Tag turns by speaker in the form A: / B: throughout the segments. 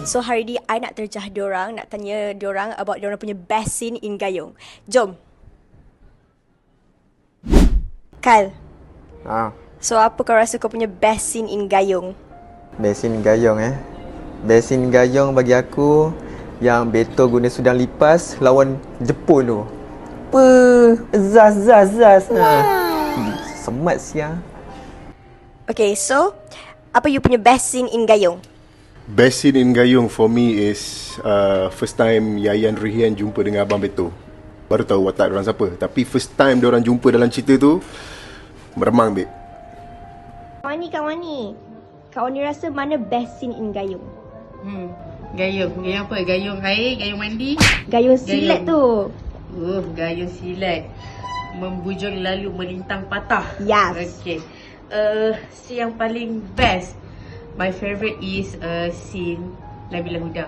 A: So hari ni I nak terjah diorang, nak tanya diorang about diorang punya best scene in Gayung. Jom. Kyle. So apa kau rasa kau punya best scene in Gayung?
B: Best scene Gayung Best scene Gayung bagi aku yang Beto guna sudang lipas lawan Jepun tu. Zaz. Semat siang.
A: Okay, so apa you punya best scene in Gayung?
C: Best scene in Gayung for me is first time Yayan Rihian jumpa dengan Abang Beto. Baru tahu watak diorang siapa. Tapi first time diorang jumpa dalam cerita tu, meremang, babe.
A: Kak Wani, Kak Wani rasa mana best scene in Gayung?
D: Gayung apa? Gayung air, gayung mandi?
A: Gayung silat tu.
D: Gayung silat. Membujung lalu melintang patah.
A: Yes.
D: Okay. Scene yang paling best, my favorite is scene Nabila Huda.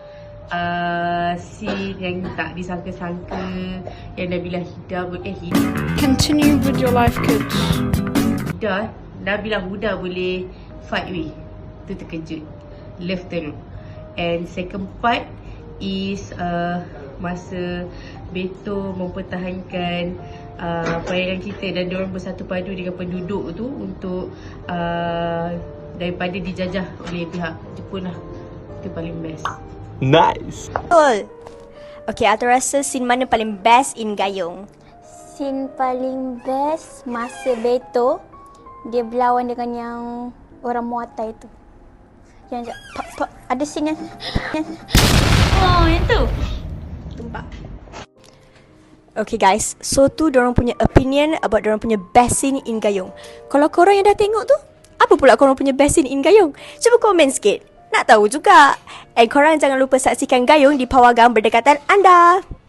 D: Scene yang tak disangka-sangka, yang Nabila
E: Continue with your life, kids.
D: Nabila Huda boleh fight with. Tu terkejut. Love teruk. And second part is masa Beto mempertahankan perairan kita dan diorang bersatu padu dengan penduduk tu untuk daripada dijajah oleh pihak Jepun lah. Itu paling best.
B: Nice.
A: Betul. Okay, Ata rasa scene mana paling best in Gayung?
F: Scene paling best masa Beto dia berlawan dengan yang orang Muay tu. Yang ada scene yang
A: yang tu. Tumpak. Okay guys, so tu diorang punya opinion about diorang punya best scene in Gayung. Kalau korang yang dah tengok tu, apa pula korang punya best scene in Gayung? Cuba komen sikit. Nak tahu juga. And korang jangan lupa saksikan Gayung di Pawagam berdekatan anda.